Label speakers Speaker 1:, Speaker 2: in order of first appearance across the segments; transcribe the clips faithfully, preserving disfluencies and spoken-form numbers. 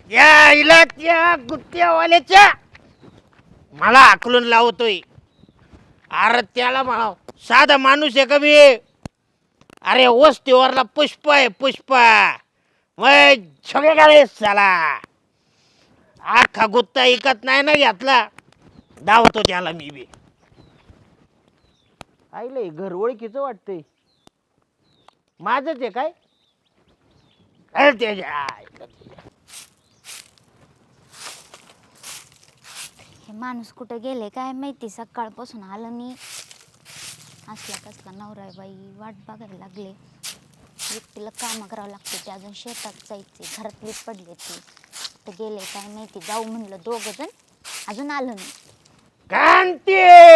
Speaker 1: या इला त्या गुत्त्यावाल्याच्या मला आकलून लावतोय. अरे त्याला म्हणा साधा माणूस आहे का मी? अरे वस्तीवरला पुष्प आहे पुष्प. मग सगळे गाळे चला आखा गुत्ता ऐकत नाही ना घेतला. धावतो त्याला मी बी. आईले घर ओळखीचं वाटतंय. माझच आहे काय? अरे त्याच्या
Speaker 2: हे माणूस कुठे गेले काय माहिती, सकाळपासून आलं नाही. असला कसला नवरा आहे बाई, वाट बघायला लागले. एकटीला काम करावं लागते, ते अजून शेतात जायचे, घरातली पडले ते तर गेले काय माहिती. जाऊ म्हणलं दोघं जण, अजून आलं नाही.
Speaker 1: कांती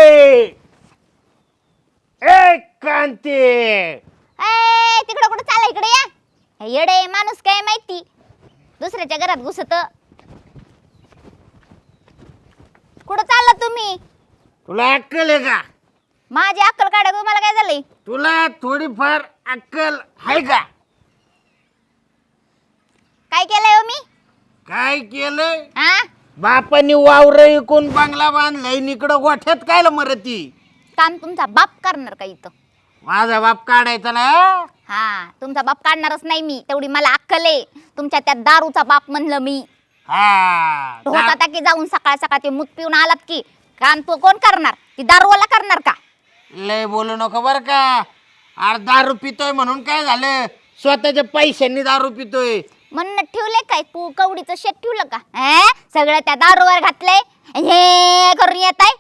Speaker 1: ए कांती
Speaker 2: ए तिकडं कुठं चाला, इकडे या. हे येडे माणूस काय माहिती दुसऱ्याच्या घरात घुसत. कुठं चालला तुम्ही?
Speaker 1: तुला अक्कल आहे का?
Speaker 2: माझी अक्कल काढा, तुम्हाला काय झालंय?
Speaker 1: तुला थोडीफार अक्कल आहे का?
Speaker 2: काय केलंय हो मी?
Speaker 1: काय केलंय?
Speaker 2: हा
Speaker 1: बापानी वावर इकून बंगला बांधलाय, इकडं गोठ्यात कायला मरती?
Speaker 2: काम तुमचा बाप करणार का इथं?
Speaker 1: माझा बाप काढायचा ना?
Speaker 2: हा तुमचा बाप काढणारच नाही मी, तेवढी मला अक्कल आहे. तुमच्या त्या दारूचा बाप म्हणलं मी.
Speaker 1: हा
Speaker 2: होता त्या की जाऊन सकाळ सकाळ ते मूत पिऊन आलात की काम तो कोण करणार? ती दारूवाला करणार का?
Speaker 1: लय बोलू नको बर का. अरे दारू पितोय म्हणून काय झालं? स्वतःच्या पैशांनी दारू पितोय
Speaker 2: म्हणून ठेवले काय तू कवडीचं शेत ठेवलं का? हे सगळं त्या दारूवर घातलंय, हे करून येत आहे.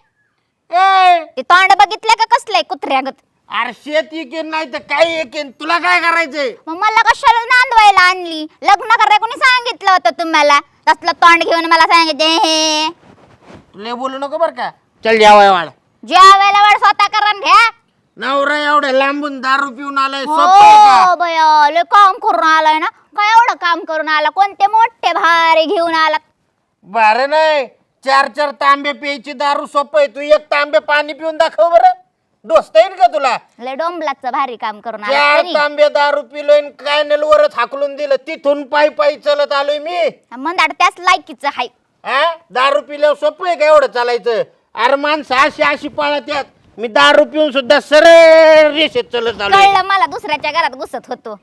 Speaker 1: ए
Speaker 2: ते तोंड बघितलं का कसलंय कुत्र्यागत?
Speaker 1: अरे शेत इकेन नाही तर काही इकेन, तुला काय करायचंय?
Speaker 2: मग मला कशाला नांदवायला आणली? लग्न करायला कोणी सांगितलं होतं तुम्हाला? तसलं तोंड घेऊन मला सांगितले हे.
Speaker 1: लय बोलू नको बर का. चल जेवाय वाढ.
Speaker 2: जेवायला वाढ स्वतः करून घ्या.
Speaker 1: नवरा एवढ्या लांबून दारू पिऊन आलाय, सोपं आहे का?
Speaker 2: हो बया, लय काम करून आलाय ना. काय एवढं काम करून आला? कोणते मोठे भारी घेऊन आला?
Speaker 1: बरं नाही, चार चार तांबे प्यायची दारू सोपं आहे. तू एक तांबे पाणी पिऊन दाखव बरं. डोसता येईल का तुला?
Speaker 2: लय डोंबलाचं भारी काम करून आला
Speaker 1: चार
Speaker 2: तरी.
Speaker 1: तांबे दारू पिलोय, कॅनल वरच हाकलून दिलं. तिथून पायी पायी चलत आलोय मी.
Speaker 2: मंदाड त्याच लायकीचं हाय.
Speaker 1: हा दारू पिल्यावर सोपं आहे का एवढं चालायचं? अरे माणसं अशी अशी पळत यात. मी दारू पिऊन सुद्धा सरळ रेषेत चलत आलोय.
Speaker 2: कळलं मला, दुसऱ्याच्या घरात घुसत होतो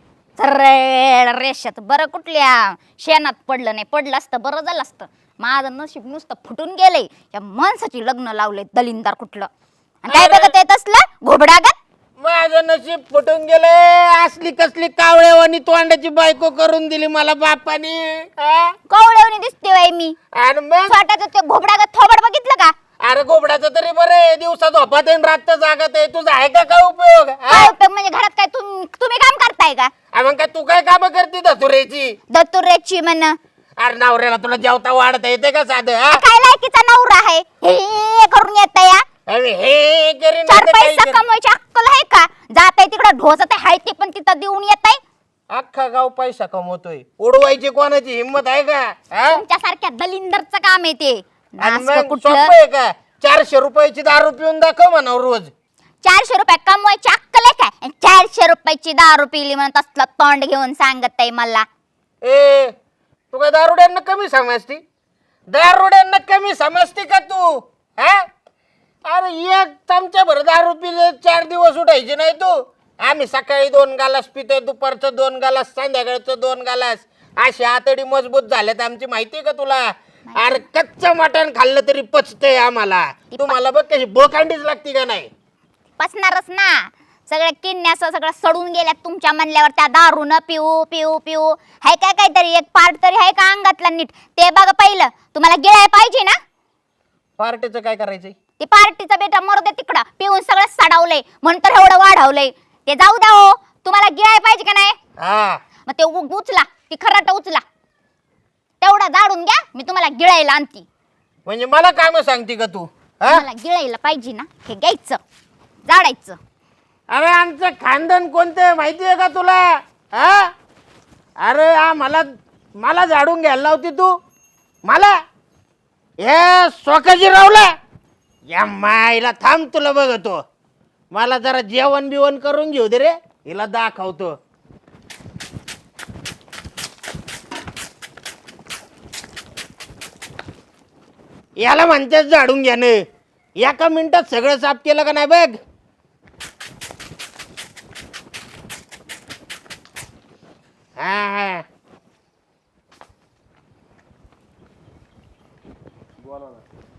Speaker 2: सरळ रेषेत. बरं कुठल्या शेणात पडलं नाही, पडलं असतं बरं झालं असतं. माझं नशीब नुसतं फुटून गेलंय. या माणसाची लग्न लावलंय दलिंदार कुठलं. आणि काय बघत येत असलं घोबडागत?
Speaker 1: माझं नशीब फुटून गेलंय. असली कसली कावळेवानी तोंडाची बायको करून दिली मला बापानी.
Speaker 2: कवळवणी दिसते बाई मी.
Speaker 1: आणि मग
Speaker 2: स्वतःच ते घोबडागत थोबड बघितलं का?
Speaker 1: अरे गोबड्याचं तरी बरं आहे, दिवसा झोपात आहे रात जागत आहे. तुझा आहे का काय उपयोग?
Speaker 2: काय उपयोग म्हणजे घरात काय तुम- तुम्ही काम करताय का?
Speaker 1: मग काय तू काय काम करते धतुरेची?
Speaker 2: दत्तुरेची म्हण.
Speaker 1: अरे नवऱ्याला तुला जेवता वाढता येते का साधं? हा?
Speaker 2: काय लायकीचा नवरा आहे हे करून येत या?
Speaker 1: अरे हे करीन
Speaker 2: चार
Speaker 1: नाही तर काही
Speaker 2: पैसा
Speaker 1: करीन.
Speaker 2: कमवायची अक्कल आहे का? जात आहे तिकडं ढोसत आहे ते पण तिथं देऊन येत आहे.
Speaker 1: अख्खा गाव पैसा कमवतोय, उडवायची कोणाची हिंमत आहे का? हा?
Speaker 2: तुमच्यासारख्या दलिंदरचं काम आहे ते.
Speaker 1: आणि
Speaker 2: नासकं
Speaker 1: मग
Speaker 2: कुठलं.
Speaker 1: सोपं आहे का? चारशे रुपयाची दारू पिऊन दाखव म्हणा रोज.
Speaker 2: चारशे रुपये कमवायची अक्कल आहे काय? आणि चारशे रुपयाची दारू पिली म्हणून तसलं तोंड घेऊन सांगत आहे मला.
Speaker 1: ए तू काय दारुड्यांना कमी समजती? दारुड्यांना कमी समजती का तू? हा अरे एक चमचा भर दारू पिले चार दिवस उठायचे नाही तू. आम्ही सकाळी दोन गालास पितोय, दुपारचं दोन गालास, संध्याकाळचं दोन गालास. अशी आतडी मजबूत झाल्यात आमची, माहितीये का तुला? अरे कच्चं मटण खाल्लं तरी पचतंय आम्हाला. तुम्हाला बघ कशी बोकांडीच लागती का नाही?
Speaker 2: पसणारच ना. सगळ्या किडण्या असं सगळं सडून गेल्यात तुमच्या म्हणल्यावर. त्या दारू न पिऊ पिऊ पिऊ हाय काय काहीतरी एक पार्ट तरी आहे का अंगातला नीट? ते बघा पहिलं. तुम्हाला गिळाय पाहिजे ना.
Speaker 1: पार्टीचं काय करायचंय?
Speaker 2: ते पार्टीचा बेटा मरू दे तिकडं. पिऊन सगळं सडावलंय म्हणून तर एवढं वाढवलंय. ते जाऊ द्या हो. तुम्हाला गिळाय पाहिजे का नाही?
Speaker 1: हा
Speaker 2: मग ते उ- उचला ती खराट उचला. तेवढा जाडून घ्या, मी तुम्हाला गिळायला आणती.
Speaker 1: म्हणजे मला काम सांगते का तू? हा
Speaker 2: मला गिळायला पाहिजे ना, हे घ्यायचं जाडायचं.
Speaker 1: अरे आमचं खानदान कोणतं माहिती आहे का तुला? हा अरे हा मला मला झाडून घ्यायला लावती तू मला? हे स्वकाजी रावला या माईला थांब, तुला बघतो. मला जरा जेवण बिवण करून घेऊ दे रे, हिला दाखवतो. याला म्हणतेच झाडून घ्यानं. एका मिनिटात सगळं साफ केलं का नाही बघ. हा हा
Speaker 3: बोला ना.